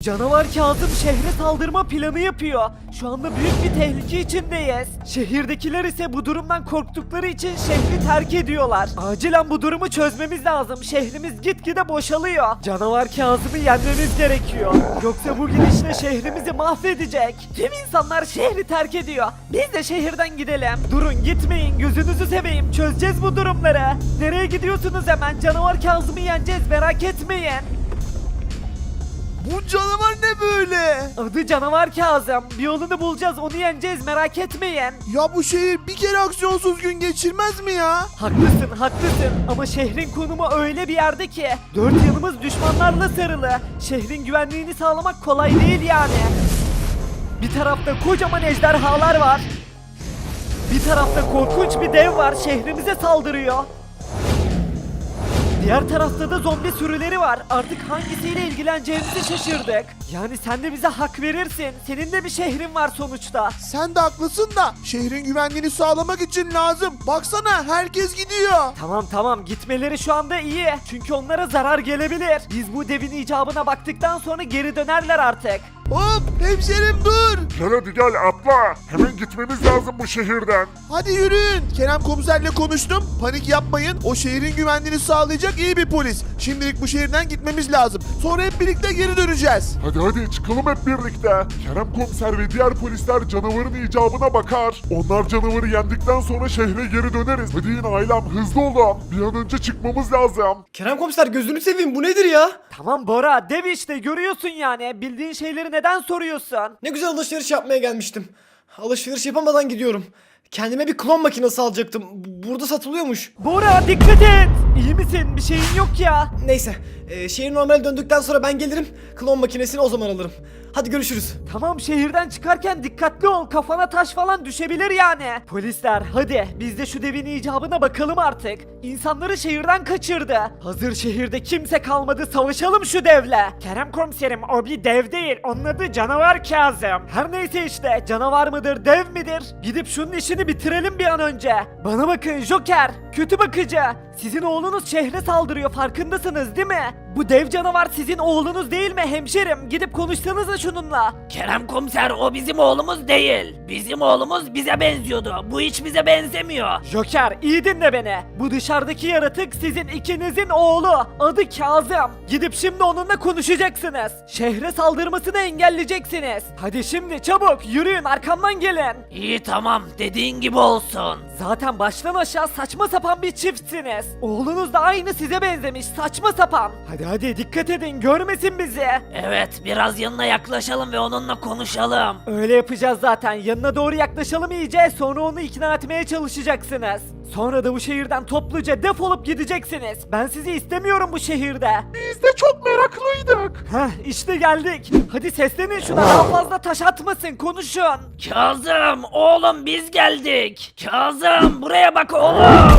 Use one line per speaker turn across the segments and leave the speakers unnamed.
Canavar Kazım şehre saldırma planı yapıyor. Şu anda büyük bir tehlike içindeyiz. Şehirdekiler ise bu durumdan korktukları için şehri terk ediyorlar. Acilen bu durumu çözmemiz lazım. Şehrimiz gitgide boşalıyor. Canavar Kazım'ı yenmemiz gerekiyor. Yoksa bu gidişle şehrimizi mahvedecek. Tüm insanlar şehri terk ediyor. Biz de şehirden gidelim. Durun gitmeyin, gözünüzü seveyim. Çözeceğiz bu durumları. Nereye gidiyorsunuz hemen? Canavar Kazım'ı yeneceğiz, merak etmeyin.
Bu canavar ne böyle?
Adı Canavar Kazım. Bir yolunu bulacağız, onu yeneceğiz, merak etmeyin.
Ya bu şehir bir kere aksiyonsuz gün geçirmez mi ya?
Haklısın, haklısın. Ama şehrin konumu öyle bir yerde ki dört yanımız düşmanlarla sarılı. Şehrin güvenliğini sağlamak kolay değil yani. Bir tarafta kocaman ejderhalar var. Bir tarafta korkunç bir dev var, şehrimize saldırıyor. Diğer tarafta da zombi sürüleri var. Artık hangisiyle ilgileneceğimizi şaşırdık. Yani sen de bize hak verirsin. Senin de bir şehrin var sonuçta.
Sen de haklısın da şehrin güvenliğini sağlamak için lazım. Baksana herkes gidiyor.
Tamam gitmeleri şu anda iyi. Çünkü onlara zarar gelebilir. Biz bu devin icabına baktıktan sonra geri dönerler artık.
Hop hemşerim dur.
Gel hadi gel atla. Hemen gitmemiz lazım bu şehirden.
Hadi yürüyün. Kerem komiserle konuştum. Panik yapmayın. O şehrin güvenliğini sağlayacak iyi bir polis. Şimdilik bu şehirden gitmemiz lazım. Sonra hep birlikte geri döneceğiz.
Hadi çıkalım hep birlikte. Kerem komiser ve diğer polisler canavarın icabına bakar. Onlar canavarı yendikten sonra şehre geri döneriz. Hadi yine ailem hızlı olun. Bir an önce çıkmamız lazım.
Kerem komiser gözünü seveyim bu nedir ya?
Tamam Bora, dev işte, görüyorsun yani. Bildiğin şeyleri neden soruyorsun?
Ne güzel alışveriş yapmaya gelmiştim. Alışveriş yapamadan gidiyorum. Kendime bir klon makinesi alacaktım. Burada satılıyormuş.
Bora dikkat et. İyi misin? Bir şeyin yok ya.
Neyse, şehir normale döndükten sonra ben gelirim. Klon makinesini o zaman alırım. Hadi görüşürüz.
Tamam, şehirden çıkarken dikkatli ol. Kafana taş falan düşebilir yani. Polisler hadi biz de şu devin icabına bakalım artık. İnsanları şehirden kaçırdı. Hazır şehirde kimse kalmadı, savaşalım şu devle. Kerem komiserim, o bir dev değil. Onun adı Canavar Kazım. Her neyse işte, canavar mıdır dev midir? Gidip şunun işini bitirelim bir an önce. Bana bakın Joker, kötü bakıcı. Sizin oğlunuz şehre saldırıyor, farkındasınız değil mi? Bu dev canavar sizin oğlunuz değil mi hemşerim? Gidip konuşsanıza şununla.
Kerem komiser o bizim oğlumuz değil. Bizim oğlumuz bize benziyordu. Bu hiç bize benzemiyor.
Joker iyi dinle beni. Bu dışarıdaki yaratık sizin ikinizin oğlu. Adı Kazım. Gidip şimdi onunla konuşacaksınız. Şehre saldırmasını engelleyeceksiniz. Hadi şimdi çabuk yürüyün, arkamdan gelin.
İyi tamam dediğin gibi olsun.
Zaten baştan aşağı saçma sapan bir çiftsiniz. Oğlunuz da aynı size benzemiş, saçma sapan. Hadi dikkat edin, görmesin bizi.
Evet biraz yanına yaklaşalım ve onunla konuşalım.
Öyle yapacağız zaten. Yanına doğru yaklaşalım iyice, sonra onu ikna etmeye çalışacaksınız. Sonra da bu şehirden topluca defolup gideceksiniz. Ben sizi istemiyorum bu şehirde.
Biz de çok meraklıydık.
Heh işte geldik. Hadi seslenin şuna, daha fazla taş atmasın, konuşun.
Kazım oğlum biz geldik. Kazım buraya bak oğlum.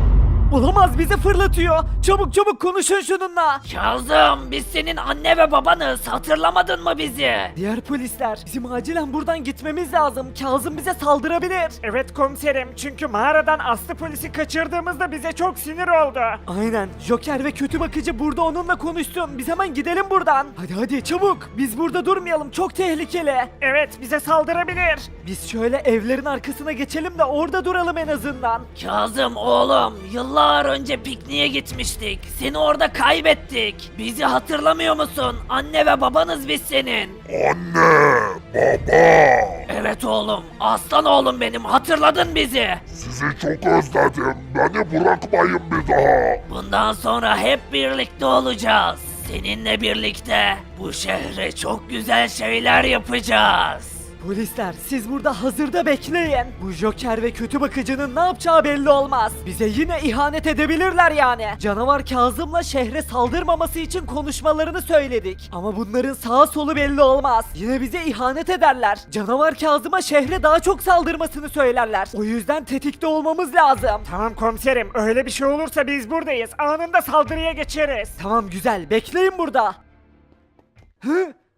Olamaz, bizi fırlatıyor. Çabuk konuşun şununla.
Kazım biz senin anne ve babanız, hatırlamadın mı bizi?
Diğer polisler, bizim acilen buradan gitmemiz lazım. Kazım bize saldırabilir. Evet komiserim, çünkü mağaradan Aslı polisi kaçırdığımızda bize çok sinir oldu. Aynen, Joker ve kötü bakıcı burada onunla konuşsun. Biz hemen gidelim buradan. Hadi çabuk, biz burada durmayalım, çok tehlikeli. Evet, bize saldırabilir. Biz şöyle evlerin arkasına geçelim de orada duralım en azından.
Kazım oğlum yıllar önce pikniğe gitmiştik. Seni orada kaybettik. Bizi hatırlamıyor musun? Anne ve babanız biz senin.
Anne, baba.
Evet oğlum. Aslan oğlum benim. Hatırladın bizi.
Sizi çok özledim. Beni bırakmayın bir daha.
Bundan sonra hep birlikte olacağız. Seninle birlikte bu şehre çok güzel şeyler yapacağız.
Polisler, siz burada hazırda bekleyin. Bu Joker ve kötü bakıcının ne yapacağı belli olmaz. Bize yine ihanet edebilirler yani. Canavar Kazım'la şehre saldırmaması için konuşmalarını söyledik. Ama bunların sağa solu belli olmaz. Yine bize ihanet ederler. Canavar Kazım'a şehre daha çok saldırmasını söylerler. O yüzden tetikte olmamız lazım. Tamam komiserim, öyle bir şey olursa biz buradayız. Anında saldırıya geçeriz. Tamam güzel, bekleyin burada. Hı?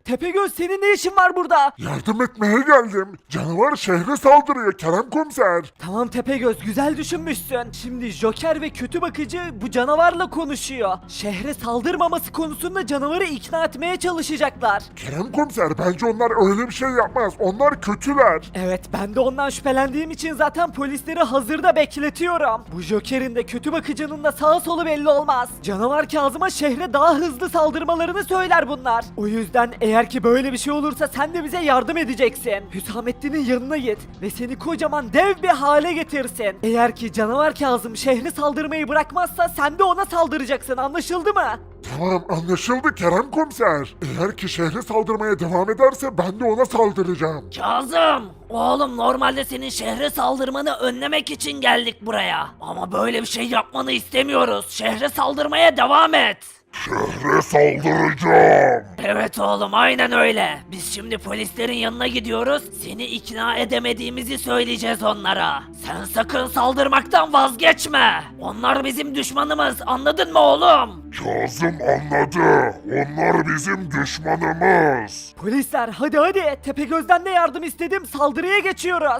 Tepegöz senin ne işin var burada?
Yardım etmeye geldim. Canavar şehre saldırıyor Kerem komiser.
Tamam Tepegöz güzel düşünmüşsün. Şimdi Joker ve kötü bakıcı bu canavarla konuşuyor. Şehre saldırmaması konusunda canavarı ikna etmeye çalışacaklar.
Kerem komiser bence onlar öyle bir şey yapmaz. Onlar kötüler.
Evet ben de ondan şüphelendiğim için zaten polisleri hazırda bekletiyorum. Bu Joker'in de kötü bakıcının da sağa solu belli olmaz. Canavar Kazım'a şehre daha hızlı saldırmalarını söyler bunlar. O yüzden eğer ki böyle bir şey olursa sen de bize yardım edeceksin. Hüsamettin'in yanına git ve seni kocaman dev bir hale getirsin. Eğer ki canavar Kazım şehri saldırmayı bırakmazsa sen de ona saldıracaksın, anlaşıldı mı?
Tamam anlaşıldı Kerem komiser. Eğer ki şehre saldırmaya devam ederse ben de ona saldıracağım.
Kazım! Oğlum normalde senin şehre saldırmanı önlemek için geldik buraya. Ama böyle bir şey yapmanı istemiyoruz. Şehre saldırmaya devam et.
Şehre saldıracağım.
Evet oğlum aynen öyle. Biz şimdi polislerin yanına gidiyoruz. Seni ikna edemediğimizi söyleyeceğiz onlara. Sen sakın saldırmaktan vazgeçme. Onlar bizim düşmanımız, anladın mı oğlum?
Kazım anladı. Onlar bizim düşmanımız.
Polisler hadi Tepegöz'den de yardım istedim, saldırıya geçiyoruz.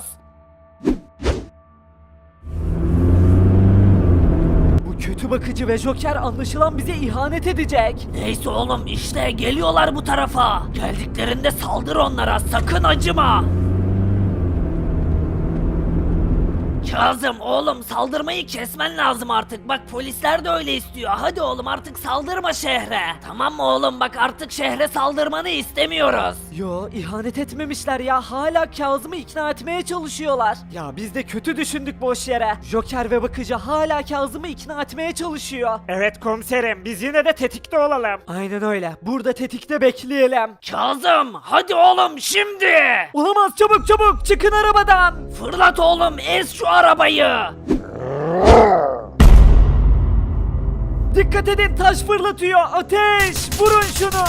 Bu kötü bakıcı ve Joker anlaşılan bize ihanet edecek.
Neyse oğlum işte geliyorlar bu tarafa. Geldiklerinde saldır onlara, sakın acıma. Kazım oğlum saldırmayı kesmen lazım artık. Bak polisler de öyle istiyor. Hadi oğlum artık saldırma şehre. Tamam mı oğlum, bak artık şehre saldırmanı istemiyoruz.
Yo ihanet etmemişler ya, hala Kazım'ı ikna etmeye çalışıyorlar. Ya biz de kötü düşündük boş yere. Joker ve bakıcı hala Kazım'ı ikna etmeye çalışıyor. Evet komiserim, biz yine de tetikte olalım. Aynen öyle, burada tetikte bekleyelim.
Kazım hadi oğlum şimdi.
Olamaz, çabuk çıkın arabadan.
Fırlat oğlum, ez şu arabayı.
Dikkat edin, taş fırlatıyor, ateş, vurun şunu.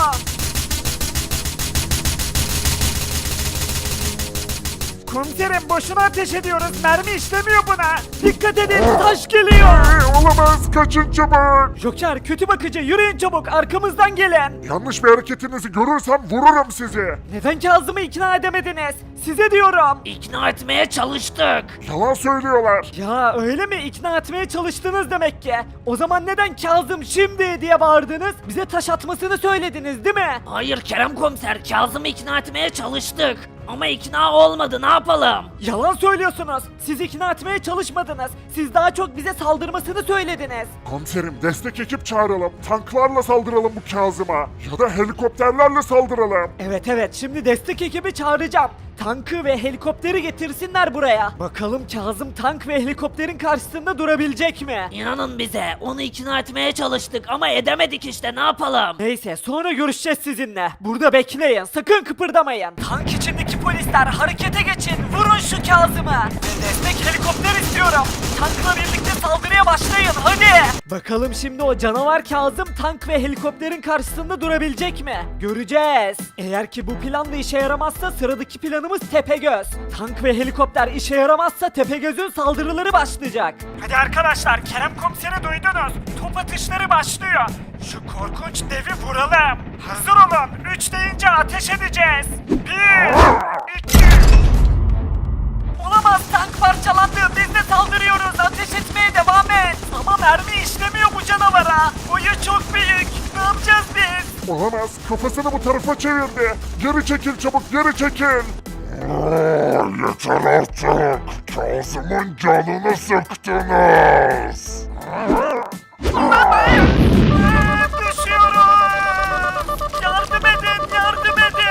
Komiserim boşuna ateş ediyoruz, mermi işlemiyor buna. Dikkat edin, taş geliyor.
Olamaz kaçın çabuk.
Joker, kötü bakıcı, yürüyün çabuk, arkamızdan gelin.
Yanlış bir hareketinizi görürsem vururum sizi.
Neden Kazım'ı ikna edemediniz? Size diyorum.
İkna etmeye çalıştık.
Yalan söylüyorlar.
Ya öyle mi? İkna etmeye çalıştınız demek ki. O zaman neden Kazım şimdi diye bağırdınız? Bize taş atmasını söylediniz değil mi?
Hayır Kerem komiser, Kazım'ı ikna etmeye çalıştık. Ama ikna olmadı, ne yapalım?
Yalan söylüyorsunuz. Siz ikna etmeye çalışmadınız. Siz daha çok bize saldırmasını söylediniz.
Komiserim destek ekip çağıralım. Tanklarla saldıralım bu Kazım'a. Ya da helikopterlerle saldıralım.
Evet şimdi destek ekibi çağıracağım. Tankı ve helikopteri getirsinler buraya. Bakalım Kazım tank ve helikopterin karşısında durabilecek mi?
İnanın bize, onu ikna etmeye çalıştık ama edemedik işte, ne yapalım?
Neyse sonra görüşeceğiz sizinle. Burada bekleyin, sakın kıpırdamayın. Tank içindeki polisler harekete geçin. Vurun şu Kazım'ı. Destek helikopter istiyorum. Tankla birlikte saldırıya başlayın hadi. Bakalım şimdi o canavar Kazım tank ve helikopterin karşısında durabilecek mi? Göreceğiz. Eğer ki bu plan da işe yaramazsa sıradaki planımız Tepegöz. Tank ve helikopter işe yaramazsa Tepegöz'ün saldırıları başlayacak. Hadi arkadaşlar, Kerem komiseri duydunuz. Top atışları başlıyor. Şu korkunç devi vuralım. Hazır olun. 3 deyince ateş edeceğiz. 1, 2... Olamaz, tank parçalandı. Biz de saldırıyoruz. Ateş etmeye devam et. Ama mermi işlemiyor bu canavara. Boyu çok büyük. Ne yapacağız biz?
Olamaz kafasını bu tarafa çevirdi. Geri çekil çabuk geri çekil. Yeter artık. Kazım'ın canını sıktınız.
Düşüyoruz. Yardım edin, yardım edin.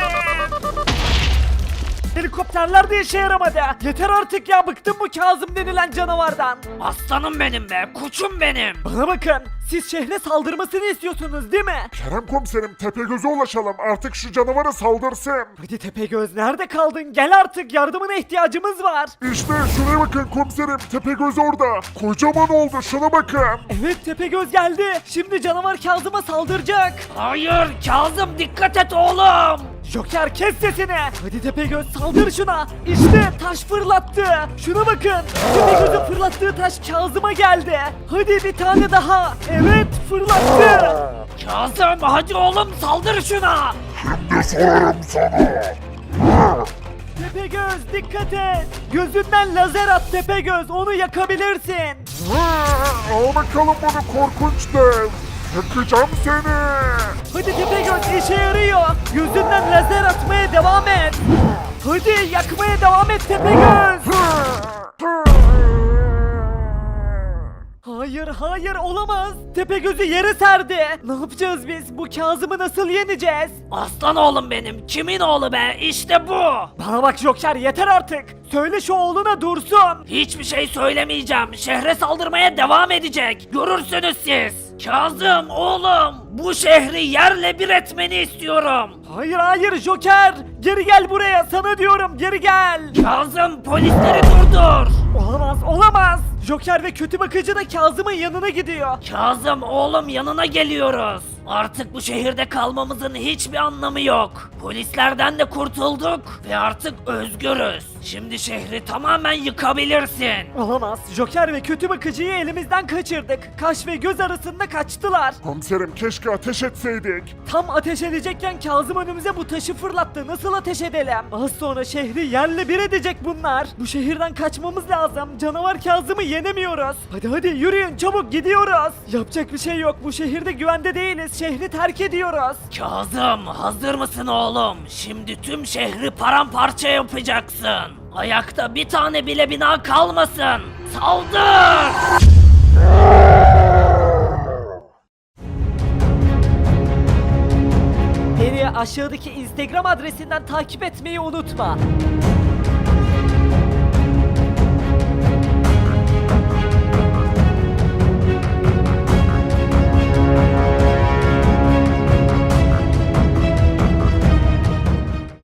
Helikopterler de işe yaramadı. Yeter artık ya, bıktım bu Kazım denilen canavardan.
Aslanım benim be, koçum benim.
Bana bakın, siz şehre saldırmasını istiyorsunuz değil mi?
Kerem komiserim Tepegöz'e ulaşalım artık şu canavara saldırsın.
Hadi Tepegöz, nerede kaldın? Gel artık, yardımına ihtiyacımız var.
İşte şuraya bakın komiserim Tepegöz orada. Kocaman oldu şuna bakın.
Evet Tepegöz geldi. Şimdi canavar Kazım'a saldıracak.
Hayır Kazım, dikkat et oğlum.
Joker kes sesini. Hadi Tepegöz saldır şuna. İşte taş fırlattı. Şuna bakın. Tepegöz'ün fırlattığı taş Kazım'a geldi. Hadi bir tane daha. Evet fırlattı.
Kazım hadi oğlum, saldır şuna.
Şimdi sorarım sana.
Tepegöz dikkat et. Gözünden lazer at Tepegöz, onu yakabilirsin.
Al bakalım bunu korkunç dev. Yakacağım seni.
Hadi Tepegöz, işe yarıyor. Gözünden lazer atmaya devam et. Hadi yakmaya devam et Tepegöz. Hayır hayır olamaz. Tepegöz'ü yere serdi. Ne yapacağız biz? Bu Kazım'ı nasıl yeneceğiz?
Aslan oğlum benim. Kimin oğlu be? İşte bu.
Bana bak Joker, yeter artık. Söyle şu oğluna dursun.
Hiçbir şey söylemeyeceğim. Şehre saldırmaya devam edecek. Görürsünüz siz. Kazım oğlum, bu şehri yerle bir etmeni istiyorum.
Hayır hayır Joker. Geri gel buraya, sana diyorum, geri gel.
Kazım, polisleri durdur.
Olamaz olamaz. Joker ve kötü bakıcı da Kazım'ın yanına gidiyor.
Kazım oğlum, yanına geliyoruz. Artık bu şehirde kalmamızın hiçbir anlamı yok. Polislerden de kurtulduk ve artık özgürüz. Şimdi şehri tamamen yıkabilirsin.
Olamaz. Joker ve kötü bakıcıyı elimizden kaçırdık. Kaş ve göz arasında kaçtılar.
Komiserim keşke ateş etseydik.
Tam ateş edecekken Kazım önümüze bu taşı fırlattı. Nasıl ateş edelim? Az sonra şehri yerle bir edecek bunlar. Bu şehirden kaçmamız lazım. Canavar Kazım'ı yenemiyoruz. Hadi hadi yürüyün, çabuk gidiyoruz. Yapacak bir şey yok. Bu şehirde güvende değiliz. Şehri terk ediyoruz.
Kazım, hazır mısın oğlum? Şimdi tüm şehri paramparça yapacaksın. Ayakta bir tane bile bina kalmasın. Saldır!
Beni aşağıdaki Instagram adresinden takip etmeyi unutma.